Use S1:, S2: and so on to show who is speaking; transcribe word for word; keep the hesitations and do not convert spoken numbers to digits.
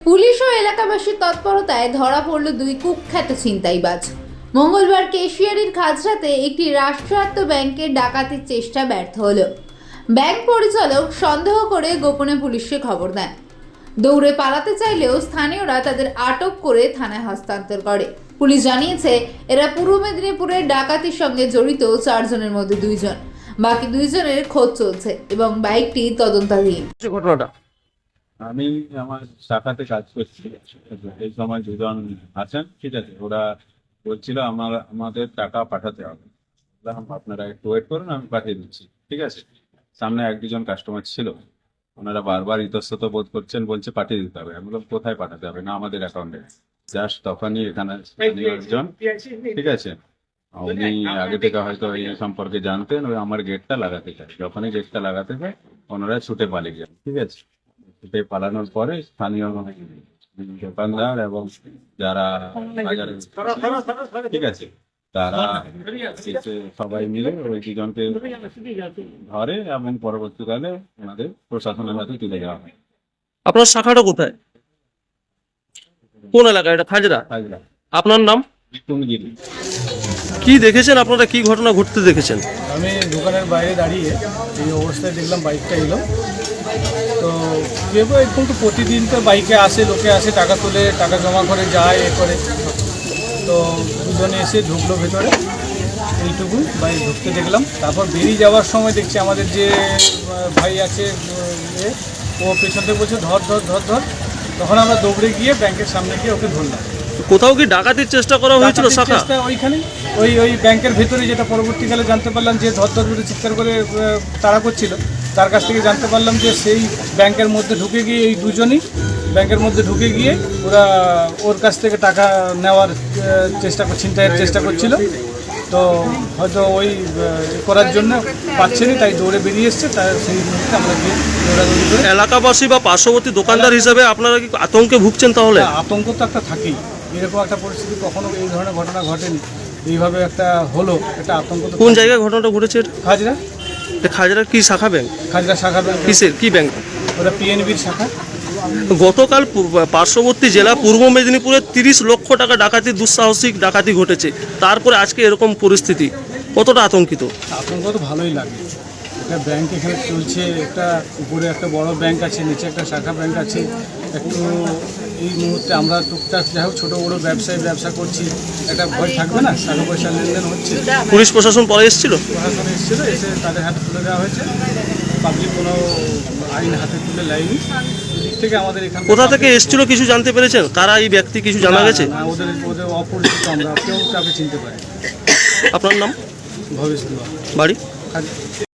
S1: Police ও এলাকাবাসীর তৎপরতায় ধরা পড়ল দুই কুখ্যাত ছিনতাইবাজ। মঙ্গলবার কেশিয়ারির খাজরাতে একটি রাষ্ট্রায়ত্ত ব্যাংকের ডাকাতির চেষ্টা ব্যর্থ হলো। ব্যাংক পরিচালক সন্দেহ করে গোপনে পুলিশকে খবর দেন। দৌড়ে পালাতে চাইলেও স্থানীয়রা তাদের আটক করে থানায় হস্তান্তর করে। পুলিশ জানিয়েছে, এরা পূর্ব মেদিনীপুরের ডাকাতির সঙ্গে জড়িত চারজনের মধ্যে দুইজন, বাকি দুইজনের খোঁজ চলছে এবং বাইকটি তদন্তাধীন।
S2: ঘটনাটা
S3: আমি আমার শাখাতে কাজ করছি, এই সময় দুজন আছেন, ঠিক আছে। ওরা বলছিল আমার আমাদের টাকা পাঠাতে হবে, বললাম আপনারা একটু ওয়েট করুন, আমি পাঠিয়ে দিচ্ছি, ঠিক আছে। সামনে এক দুজন কাস্টমার ছিল, ওনারা বারবার ইতস্তত বোধ করছেন, বলছে পাঠিয়ে দিতে হবে। আমি বললাম কোথায় পাঠাতে হবে, না আমাদের অ্যাকাউন্টে। জাস্ট তখনই এখানে স্থানীয় একজন, ঠিক আছে, উনি আগে থেকে হয়তো এই সম্পর্কে জানতেন, ওই আমার গেটটা লাগাতে চাই। যখনই গেটটা লাগাতে চাই ওনারা ছুটে পালিয়ে যান, ঠিক আছে। ছুটে পালানোর পরে স্থানীয় দোকানদার এবং যারা বাজারে, ঠিক আছে, তারা এসে সবাই মিলে ওই দুজনকে ধরে এবং পরবর্তীকালে আমাদের প্রশাসনের হাতে তুলে দেওয়া হয়।
S2: আপনার শাখাটা কোথায়, কোন এলাকা? এটা খাজরা।
S3: হাজরা
S2: আপনার নাম?
S3: বিপুলগিরি।
S2: কি দেখেছেন আপনারা, কি ঘটনা ঘটতে দেখেছেন?
S4: আমি দোকানের বাইরে দাঁড়িয়ে এই অবস্থায় দেখলাম বাইকটা এলো। তো ভেবো এরকম তো প্রতিদিন তো বাইকে আসে, লোকে আসে, টাকা তোলে, টাকা জমা করে যায়, এ করে। তো দুজনে এসে ঢুকলো ভেতরে, এইটুকু বাইক ঢুকতে দেখলাম। তারপর বেরিয়ে যাওয়ার সময় দেখছি আমাদের যে ভাই আছে এ, ও পেছন থেকে বলছে ধর ধর ধর ধর। তখন আমরা দৌড়ে গিয়ে ব্যাংকের সামনে গিয়ে ওকে ধরলাম।
S2: কোথাও কি ডাকাতির চেষ্টা করা হয়েছিল? শাখা
S4: ওইখানে ওই ওই ব্যাংকের ভেতরে, যেটা পরবর্তীকালে জানতে পারলাম যে ধর ধর করে চিৎকার করে তাড়া করছিল, তার কাছ থেকে জানতে পারলাম যে সেই ব্যাংকের মধ্যে ঢুকে গিয়ে এই দুজনই ব্যাংকের মধ্যে ঢুকে গিয়ে ওরা ওর কাছ থেকে টাকা নেওয়ার চেষ্টা ছিনতাইয়ের চেষ্টা করছিল। তো হয়তো ওই করার জন্য পাচ্ছেনি, তাই দৌড়ে বেরিয়ে এসছে। তাই সেই মুহূর্তে আমরা গিয়ে দৌড়াদৌড়ি করে।
S2: এলাকাবাসী বা পার্শ্ববর্তী দোকানদার হিসেবে আপনারা কি আতঙ্কে ভুগছেন? তাহলে
S4: আতঙ্ক তো একটা থাকেই, এরকম একটা পরিস্থিতি কখনো এই ধরনের ঘটনা ঘটেনি, এইভাবে একটা হলো, এটা আতঙ্ক।
S2: কোন জায়গায় ঘটনাটা ঘটেছে?
S4: খাজরা।
S2: খাজরা কি শাখা ব্যাংক?
S4: খাজরা শাখা ব্যাংক।
S2: কিসের, কি ব্যাংক?
S4: ওটা পিএনবির শাখা।
S2: গতকাল পার্শ্ববর্তী জেলা পূর্ব মেদিনীপুরে তিরিশ লক্ষ টাকা ডাকাতি, দুঃসাহসিক ডাকাতি ঘটেছে, তারপরে আজকে এরকম পরিস্থিতি, কতটা আতঙ্কিত?
S4: আতঙ্ক তো ভালোই লাগে। একটা ব্যাংক এখানে চলছে, একটা উপরে একটা বড় ব্যাংক আছে, নিচে একটা শাখা ব্যাংক আছে। একটু এই মুহূর্তে আমরা টুকটাক যাই হোক ছোটো বড়ো ব্যবসায়ী ব্যবসা করছি, একটা ভয় থাকবে না? টাকা পয়সা লেনদেন হচ্ছে।
S2: পুলিশ প্রশাসন পরে এসেছিল?
S4: প্রশাসন এসেছিল, এসে তাদের হাতে তুলে দেওয়া হয়েছে। পাবলিক কোনো আইন হাতে তুলে লাইনি দিক থেকে আমাদের এখানে।
S2: কোথা থেকে এসেছিল কিছু জানতে পেরেছেন? কারা এই ব্যক্তি, কিছু জানা গেছে?
S4: না, ওদের ওদের অপরিচিত, আমরা কেউ তাকে চিনতে পারি।
S2: আপনার নাম?
S4: ভবেশ
S2: বাড়ি?